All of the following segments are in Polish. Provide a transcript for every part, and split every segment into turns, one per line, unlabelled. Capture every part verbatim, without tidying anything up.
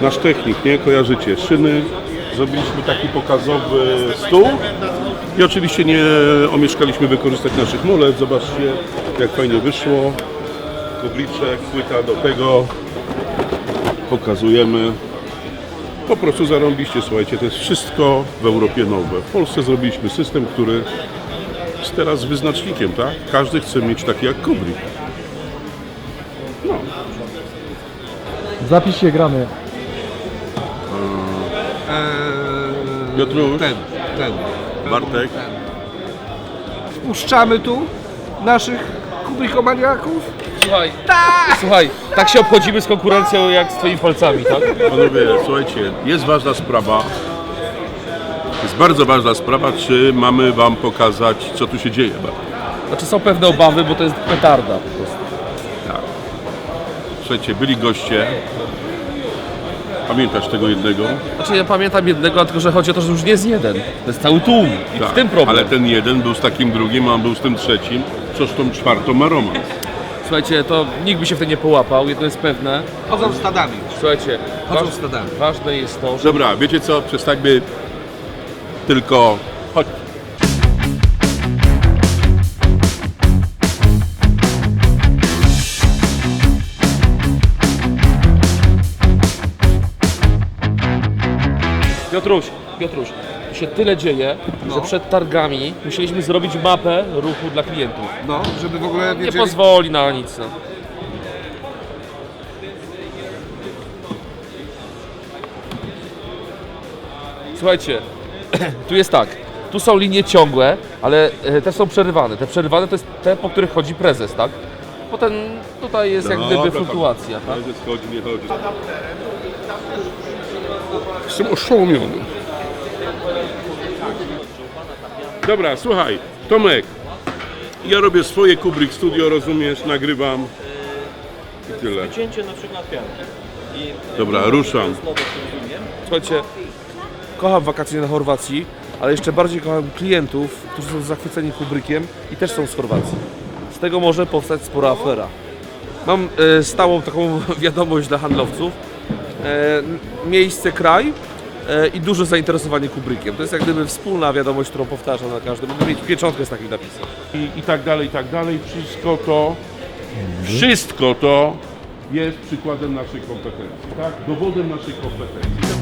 nasz technik, nie? Kojarzycie, szyny. Zrobiliśmy taki pokazowy stół i oczywiście nie omieszkaliśmy wykorzystać naszych mulet. Zobaczcie, jak fajnie wyszło. Kubliczek, płyta do tego. Pokazujemy. Po prostu zarąbiście, słuchajcie, to jest wszystko w Europie nowe. W Polsce zrobiliśmy system, który jest teraz wyznacznikiem, tak? Każdy chce mieć taki jak Kubrick. No.
Zapisz się, gramy.
Eee,
Piotruś,
ten, ten.
Bartek.
Wpuszczamy tu naszych kubrikomaniaków.
Słuchaj, słuchaj, tak się obchodzimy z konkurencją jak z twoimi palcami, tak?
Panowie, słuchajcie, jest ważna sprawa. Jest bardzo ważna sprawa, czy mamy wam pokazać, co tu się dzieje.
Znaczy są pewne obawy, bo to jest petarda po prostu.
Tak. Słuchajcie, byli goście. Pamiętasz tego jednego?
Znaczy ja pamiętam jednego, tylko że chodzi o to, że już nie jest jeden. To jest cały tłum i w tym problem.
Ale ten jeden był z takim drugim, a on był z tym trzecim, co z tą czwartą ma romans.
Słuchajcie, to nikt by się w tym nie połapał, jedno jest pewne.
Chodzą stadami.
Słuchajcie,
Chodzą
waż,
stadami.
ważne jest to, że...
Dobra, wiecie co? Przestańmy tylko... Chodź.
Piotruś, Piotruś, tu się tyle dzieje,
No.
że przed targami musieliśmy zrobić mapę ruchu dla klientów.
No, żeby w ogóle
Nie
wiedzieli.
pozwoli na nic. No. Słuchajcie, tu jest tak, tu są linie ciągłe, ale e, te są przerywane. Te przerywane to jest te, po których chodzi prezes, tak? Potem tutaj jest jak gdyby
Dobra,
fluktuacja, tak?
Prezes chodzi, nie chodzi. Jestem oszołomiony. Dobra, słuchaj, Tomek, ja robię swoje Kubrick Studio, rozumiesz, nagrywam i tyle.
Cięcie na przykład pianki.
Dobra, ruszam.
Słuchajcie, kocham wakacje na Chorwacji, ale jeszcze bardziej kocham klientów, którzy są zachwyceni Kubrickiem i też są z Chorwacji. Z tego może powstać spora afera. Mam e, stałą taką wiadomość dla handlowców. E, miejsce, kraj e, i duże zainteresowanie Kubrickiem. To jest jak gdyby wspólna wiadomość, którą powtarzam na każdym. Mogę mieć pieczątkę z takim napisem.
I, I tak dalej, i tak dalej. Wszystko to, wszystko to jest przykładem naszej kompetencji, tak? Dowodem naszej kompetencji.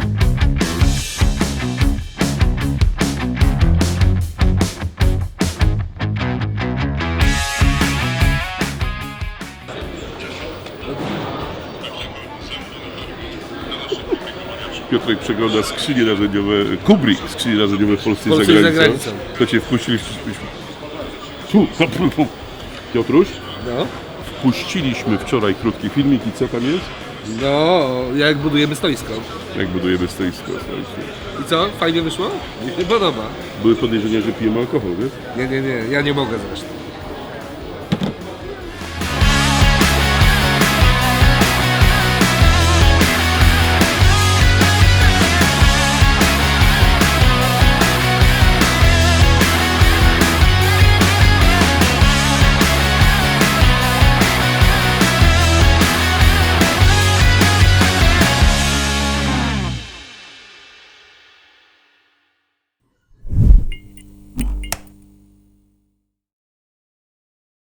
Piotrek przegląda skrzynie narzędziowe, Kubrick, skrzynie narzędziowe w Polsce i za
Polsce i za
granicą.
granicą.
To cię wpuściliśmy. Tu, tu, tu. Piotruś,
No.
wpuściliśmy wczoraj krótki filmik i co tam jest?
No, jak budujemy stoisko.
Jak budujemy stoisko. słuchajcie.
I co? Fajnie wyszło? Mi się podoba.
Były podejrzenia, że pijemy alkohol, wiesz?
Nie, nie, nie, ja nie mogę zresztą.